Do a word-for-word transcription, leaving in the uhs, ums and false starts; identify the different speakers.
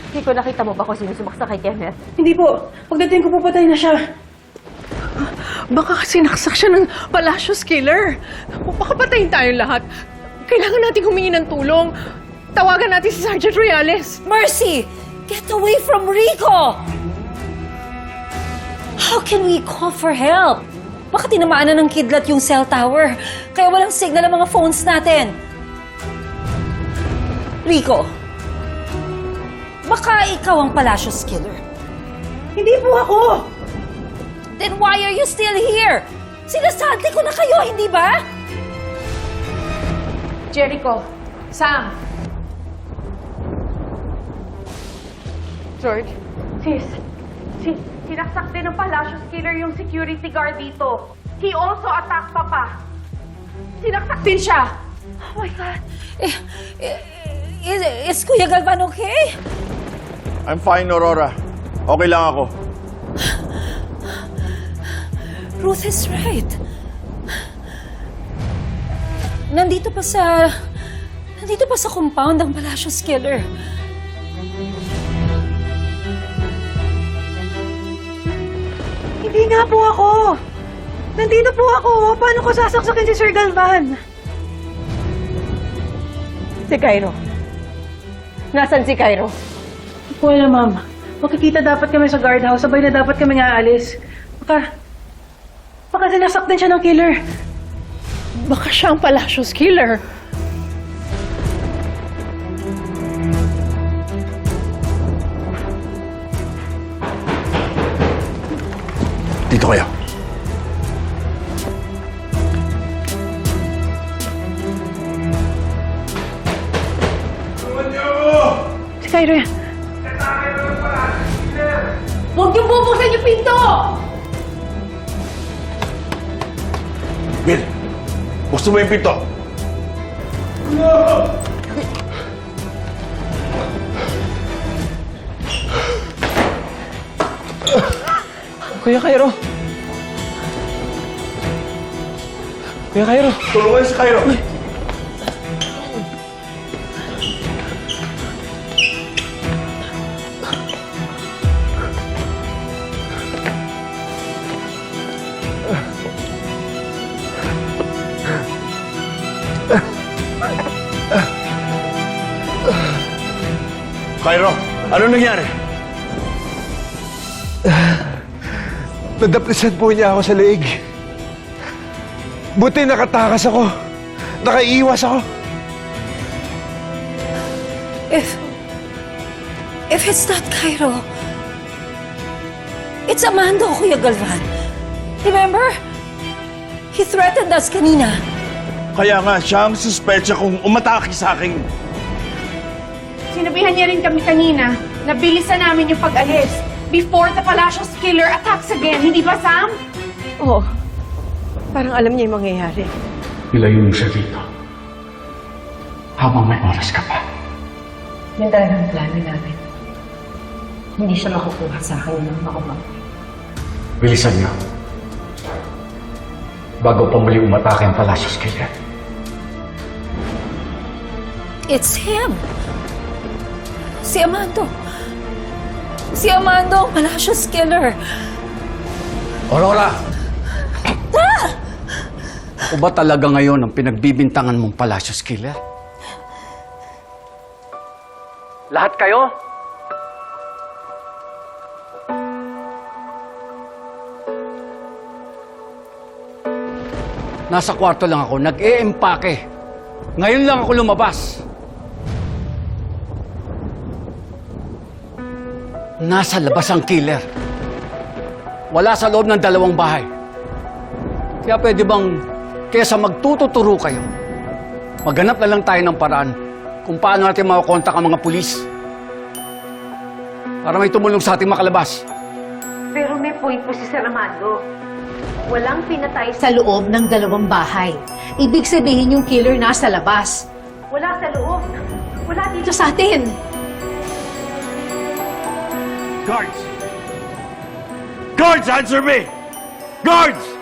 Speaker 1: Rico, nakita mo ba kung sino sumaksa kay Kenneth?
Speaker 2: Hindi po. Pagdating ko po, patay na siya.
Speaker 3: Baka kasi naksak siya ng Palacios Killer. Baka patayin tayong lahat. Kailangan natin humingi ng tulong. Tawagan natin si Sergeant Reales.
Speaker 4: Mercy! Get away from Rico! How can we call for help? Baka tinamaan na ng kidlat yung cell tower. Kaya walang signal ang mga phones natin. Rico, baka ikaw ang Palacios Killer.
Speaker 2: Hindi po ako!
Speaker 4: Then why are you still here? Sinasabi ko na kayo, hindi ba?
Speaker 3: Jericho, Sam.
Speaker 1: George? Sis, si, sinaksak din ng Palacios Killer yung security guard dito. He also attacked Papa. Sinaksak din siya.
Speaker 4: Oh my God. Eh, eh, is, is Kuya Galvan okay?
Speaker 5: I'm fine, Aurora. Okay lang ako.
Speaker 4: Ruth is right. Nandito pa sa... Nandito pa sa compound ang Palacios Killer.
Speaker 2: Hindi nga po ako. Nandito po ako. Paano ko sasaksakin si Sir Galvan?
Speaker 1: Si Cairo. Nasaan si Cairo?
Speaker 2: Wala, ma'am. Makikita dapat kami sa guardhouse. Sabay na dapat kami nga aalis. Baka... Baka sinasaktan siya ng killer.
Speaker 3: Baka siya ang Palacios Killer.
Speaker 5: Dito kayo.
Speaker 2: Si Cairo yan.
Speaker 4: Huwag niyong bubuksan yung pinto!
Speaker 5: Bill, buksan mo yung pinto.
Speaker 6: Kuya Cairo! Kuya Cairo!
Speaker 5: Tulungan si Cairo. Cairo, ano nangyari?
Speaker 6: Nadaplisan po niya ako sa leeg. Buti nakatakas ako. Nakaiwas ako.
Speaker 4: If... If it's not Cairo, it's Amando, Kuya Galvan. Remember? He threatened us kanina.
Speaker 5: Kaya nga, siya ang suspecha kung umatake sa akin.
Speaker 3: Sinabihan niya rin kami kanina na bilisan namin yung pag-alis before the Palacios Killer attacks again. Hindi ba, Sam?
Speaker 1: Oo. Parang alam niya yung mangyayari.
Speaker 7: Ilayo mo siya dito. Habang may oras ka pa.
Speaker 1: Yan talaga ang plano namin. Hindi siya makukuha sa akin ng makumang.
Speaker 7: Bilisan niyo. Bago pa muli umatake ang Palacios Killer.
Speaker 4: It's him. Si Amando. Si Amando, ang Palacios Killer.
Speaker 8: Aurora! O ba talaga ngayon ang pinagbibintangan mong Palacios Killer? Lahat kayo? Nasa kwarto lang ako, nag-e-empake. Ngayon lang ako lumabas. Nasa labas ang killer. Wala sa loob ng dalawang bahay. Kaya pwede bang, kesa magtututuro kayo, maghanap na lang tayo ng paraan kung paano natin makakontak ang mga pulis. Para may tumulong sa ating makalabas.
Speaker 1: Pero may point po si Sir Amando. Walang pinatay sa loob ng dalawang bahay. Ibig sabihin yung killer nasa labas. Wala sa loob. Wala dito sa atin.
Speaker 5: Guards! Guards, answer me! Guards!